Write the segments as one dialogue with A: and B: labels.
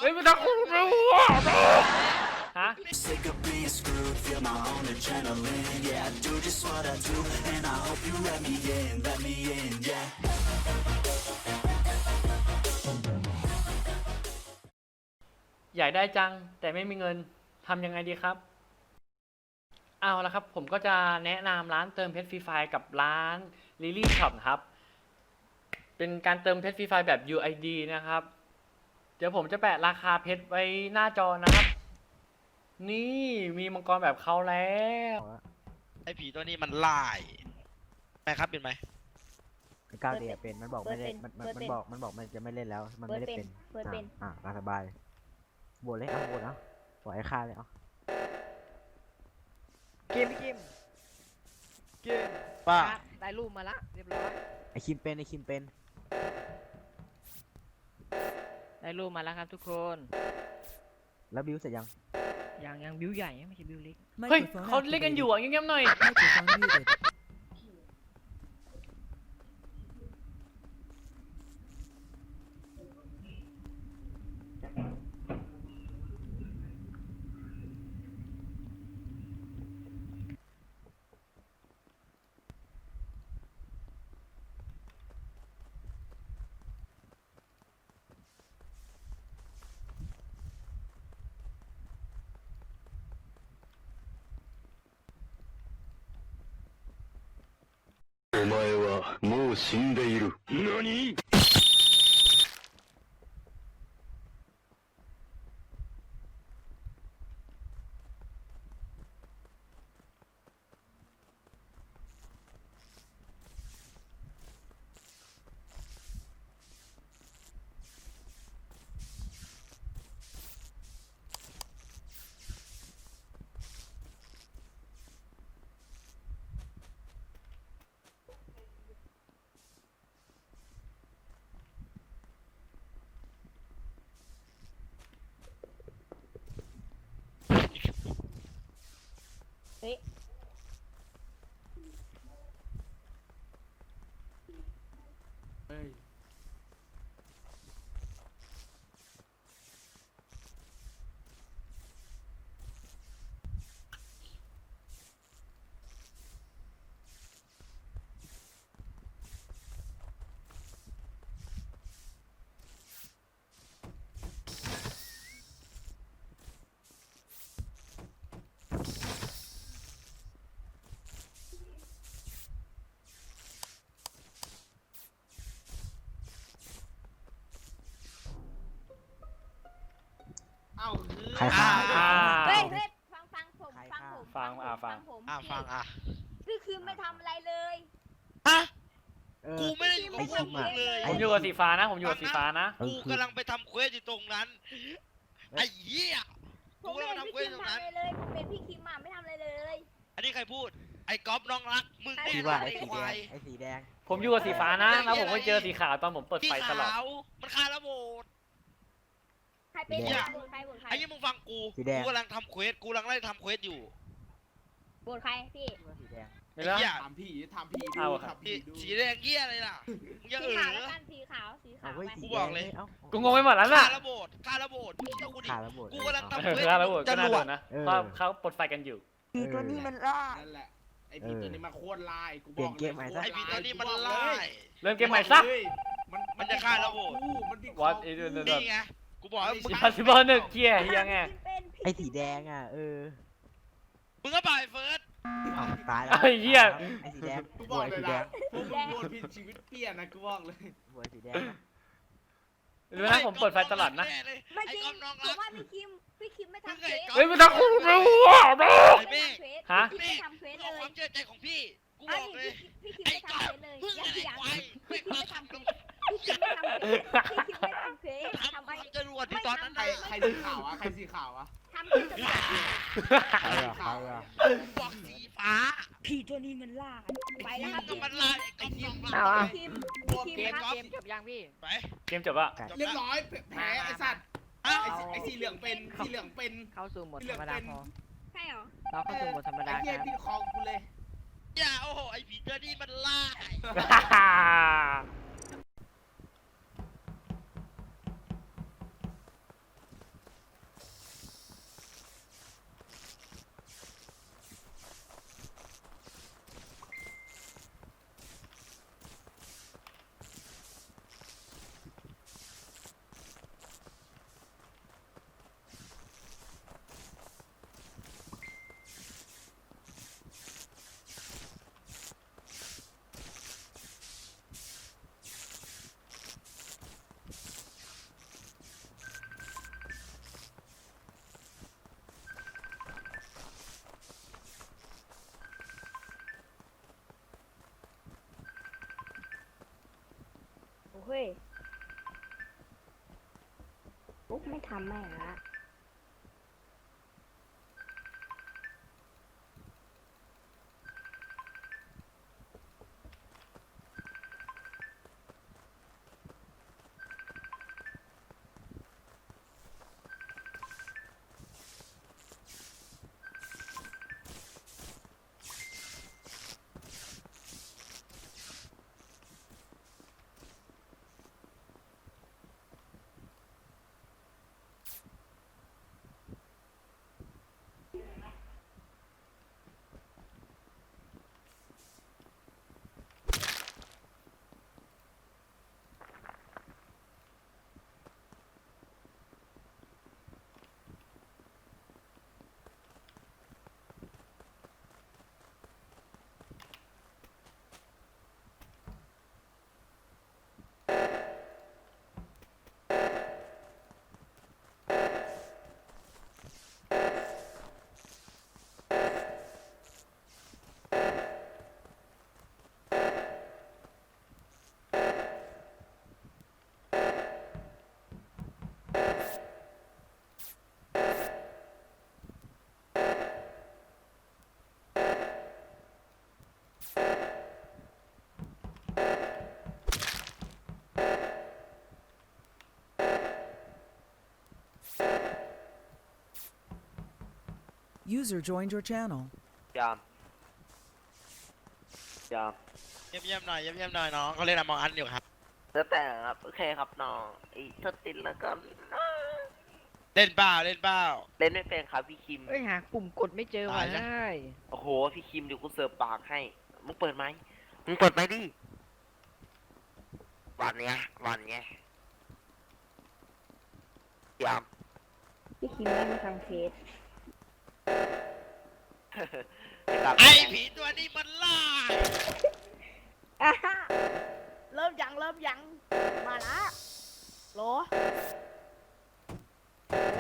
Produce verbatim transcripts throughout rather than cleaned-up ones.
A: ฮ้ยมันจะคุ้มไม่รู้ฮะอยากได้จังแต่ไม่มีเงินทำยังไงดีครับเอาละครับผมก็จะแนะนำร้านเติมเพชรฟรีไฟกับร้าน Lily Shop ครับเป็นการเติมเพชรฟรีไฟแบบ ยู ไอ ดี นะครับเดี๋ยวผมจะแปะราคาเพชรไว้หน้าจอนะครับนี่มีมังกรแบบเขาแล้ว
B: ไอ้ผีตัวนี้มันไล่ไหมครับเป็นไหม
C: ก้าวเดียเป็นมันบอกไม่เล่นมันมันมันบอกมันบอกมันจะไม่เล่นแล้วมันไม่ได้เป็นอ่าอ่าสบายบวชเลยเอาบวชเอาปล่อยให้ฆ่าเลยเอา
D: เกมพี่เกมเกม
B: ป้า
D: ได้รูปมาละเรียบร้อย
C: ไอคิมเป็นไอคิมเป็น
D: ได้รูปมาแล้วครับทุกคน
C: แล้วบิวเสร็จยัง
D: อย่างยังบิวใหญ่ไม่ใช่บิวเล็ก
A: เฮ้ยเขาเล่นกันอยู่อ่ะเงียบๆหน่อย
E: お前はもう死んでいる。何？
F: เฮ้ย
C: ใครฆ่า
A: อ่า
F: เฮ้ยเฮ้ยฟังฟังผมฟังผม
A: ฟังอ่ะฟัง
F: ผม
B: อ่ะฟังอ่ะ
F: พี่คือไม่ทำอะไรเลย
B: ฮะ
C: เออ
B: กูไม่ได้อยู่กับพวกมึงเลย
A: ผมอยู่กับสีฟ้านะผมอยู่กับสีฟ้านะ
C: เออ
B: กู
C: คือก
B: ำลังไปทำเควสอยู่ตรงนั้นไอ้เหี้ย
F: ผ
B: กู
F: มไม่
B: กำลัง
F: เห็น
B: ทำเคว
F: พี่
B: ส
F: คิ
B: อ
F: ม
B: ยู่ตรงนั้น
F: ทำอะไรเลยผมเป็นพี่คิมอ่ะไม่ทำอะไรเลย
B: อันนี้ใครพูดไอ้ก๊อฟน้องรักมึงแน่
C: คิด
B: นอ
C: ว่าน ไอ
B: ไอ้
C: สี
B: ค
C: แด
B: วาง ย
C: ไอสีแดง
A: ผมอยู่กับสีฟ้านะแล้วผมก็เจอสีขาวตอนผมเปิด
B: พี่
A: ไฟตลอด
B: ขาวมันฆ่าระโบด
F: ใครเป็น
B: เนี่ย
F: โหวตใครโหวตใคร
B: ไอ้นี่มึงฟังกูกูกำลังทำเควสกูกำลังไล่ทำเควสอยู่
F: โหวตใครพี่
C: คิดว่าสีแดง
A: ไม่แล้ว
B: ไอ้เหี้ย
G: ทำผีทำผี
A: เอา
G: ดู
A: ครับ
G: ทำผี
B: สี
G: ดู
B: สีแดงเหี้ยอะไรล่ะมึงจะ
F: สี
B: เอ
F: ขาวแล้ว
B: อ
F: กันสีขาวสีขา
C: เอา
F: ว
C: เว้ย
F: ไป
C: สี
B: กู
C: แด
B: บอก
C: ง
B: เลย
C: เอ้า
B: กู
A: กูงงไปหมดแล้ว
B: ฆ่า
A: น่ะ
B: ระโบดฆ่าระโบดมึงเชื่อกูดิ
C: ฆ่าระเบิด
B: กูกำลังทำ
A: เอ
B: เคว
A: อ
B: ส
A: แล้วระเบิดก็น่า
B: จ
A: โด
B: รวด
A: นนะเพราะเขาปลดไฟกันอยู่
C: ผีตัวนี้มันล่า
G: นั่นแหละไอ้ผีตัวนี้มันโคตรลายกูบอก
C: เปลี่ยนเกมใหม่ซะ
B: ไอ้ผีตัวนี้มัน
G: กูบอก
B: ไล่
G: เลย
A: เริ่มเกมใหม่ซะ
G: มัน
B: มันจะฆ่าระโบด
G: มันติดคอ
A: What
G: กู
A: is it
B: นี่ไงกูบอกให้มึง
A: อิมพัสซิเบิลหนึ่งเกียร์เฮียไง
C: ไอสีแดงอ่ะเออ
B: มึงก็บ่ายเฟิร์ส
C: อ้าวตายแล้ว
A: ไอ้เหี้ย
C: ไอสีแดง
G: กู
C: บบ ว
G: อ
C: ช
G: ก
C: ไอ
G: เลย
C: สีแด
G: นะ
C: ง
G: พวกมึงโดนผิดชีวิตเปลี่ยนนะกูบอกเลย
C: บวชสีแดงนะ
A: รู้นะผมเปิดไฟตลอดนะ
F: ไม่
B: ไอ้
F: จริง
B: ก๊อฟน้อง
F: ผ
B: รั
F: ม
B: ก
F: ว่าพี่คิมพี่คิมไม่ทำเควส
A: เฮ้ยมันจะคุ้มไม่รู้อ่ะ
B: ไอ้เมฆ
A: ฮะ
F: พี่ไม่ทำเควส
B: ขอ
F: เล
B: ควาย มเชื่อใจของพี่ กูบ
F: อัน
B: อก
F: นี้
B: เลย
F: พี่คิม
B: ไอ้
F: ไม่
B: ก๊อ
F: ทำ
B: ฟ
F: เควสเลย
B: มึง
F: ยั
B: อะ
F: ง
B: ไร
F: ยัง
B: ควายไม่
F: พี่คิม
B: ทำ
F: ไม่ทำเควสพี่คิมไม่ทำเควสพี่คิมไม่ทำเควส
B: ทำ
F: ทำ
B: ค
F: ไม
B: วามจรวดที่ตอนนั้น
G: ใคร
B: น่ะ
G: ใครสีขาวอะใครสีขาวอะ
F: ทำเควสต่าง
C: ใครอะใครอะ
B: กูบอกสีฟ้า
F: พี่ตัวนี้มันล่าไปแล้วครับ
B: ก็มันไล่ไอ้ก๊อฟน้องรัก
D: เอาอ่ะ
F: พี่คิม
G: บวก
F: พี่
G: เก
F: คิ
G: ม
F: มครับ
D: เกมจบยังพี่
B: ไป
A: เกมจบอะ
G: เรียบร้อยแพ้ไอ้สัตว์
B: อ่ะ
G: ไอ้สีไอ้สีเหลืองเป็นสีเหลืองเป็น
D: เข้าสู่โหมดธรรมดาพอ
F: ใช่เหรอ
D: เราเข้าสู่โหมดธรรมดา
G: ไอ้เหี้ย
D: ครับ
G: ที่คอกูเลย
B: อย่าโอ้โหไอ้ผีตัวนี้มันไล่
A: เ
F: เฮ้ยปุ๊บไม่ทำแม่งละ
H: User joined your channel.
I: ยามยาม
B: เยี่ยมเยี่ยมๆหน่อยเยี่ยมเยี่ยมๆหน่อยน้องเขาเล่นอะมองอันอยู่ครับ
I: แล้วแต่ครับโอเคครับน้องไอ้ถ้าติดแล้วก็
B: เล่นเปล่าเล่นเปล่า
I: เล่นไม่เป็นครับพี่คิม
D: เอ้ยหาปุ่มกดไม่เจอว่ะ
B: ตายแล้ว
D: ได้
I: โอ้โหพี่คิมเดี๋ยวกูเสิร์ฟปากให้มึงเปิดไหมมึงเปิดไหมดิวันเนี้ยวันเนี้ยยาม
F: พี่คิมได้มาทางเฟซ
B: ไอ้ผีตัวนี้มันล่าย
F: อ่ะฮะเริ่มยังเริ่มยังมาละโหลโอ้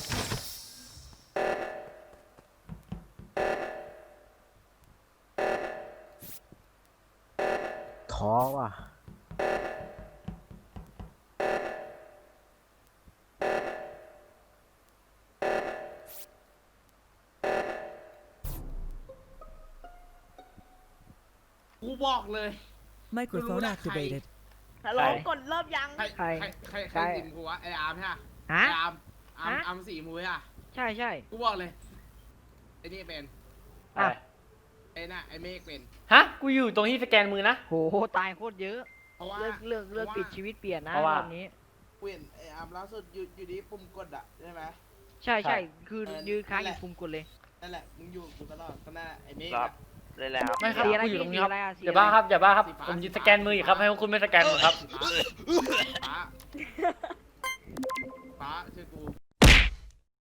C: ท้อว่ะ
G: กูบอกเลย
H: Microphone
G: Lula
H: activated.
F: ฮัลโหลกดเริ่มยัง
G: ใครใครใครใครสิมกูวะไออาร์มใช่ปะ
D: ฮะ
G: ไออาร์มอาร์ม
D: ฮะ
G: อาร์มสี่มูใช่ปะ
D: ใช่ใช่
G: กูบอกเลยไอ้นี่เป็น
A: อะไร
G: ไอ้น่ะไอ้เมฆเป็น
A: ฮะ กูอยู่ตรงที่สแกนมือนะ
D: โหตายโคตรเยอะ
G: เพราะว่า
D: เลือกเลือกเลือก
G: พราะว่า
D: ปิดชีวิตเปลี่ยนนะ
A: เพราะว่า
D: รอบนี้
G: เปลี่ยนไออาร์มล่าสุดอยู่อยู่ดีปุ่มกดอะใช่ไหม
D: ใช่
A: ใช่
D: ใช่คือ
G: เออ
D: ยืนค้างอ
G: นั่นแห
D: ยู่
G: ละ
D: ปุ่มกดเลย
G: นั่นแหละมึงอยู่กูตลอดก็นั่นแหละไอ้เมฆ
I: ครั
G: อะ
I: บเลยแล้ว
A: ไม่ครับ
D: สีอะไร
A: กูอยู่ตรงนี้ครับ
D: สีอะไรอะสี
A: อย่า
D: อะไร
A: บ้าครับ อย่าบ้าครับ
G: สีฟ้า
A: ผมยืน
G: สี
A: ส
G: ฟ้า
A: แกนมืออยู่ครับให้พวกคุณไม่สแกนมือครับ
G: ฟ้าฟ้าฟ้าชื่อกู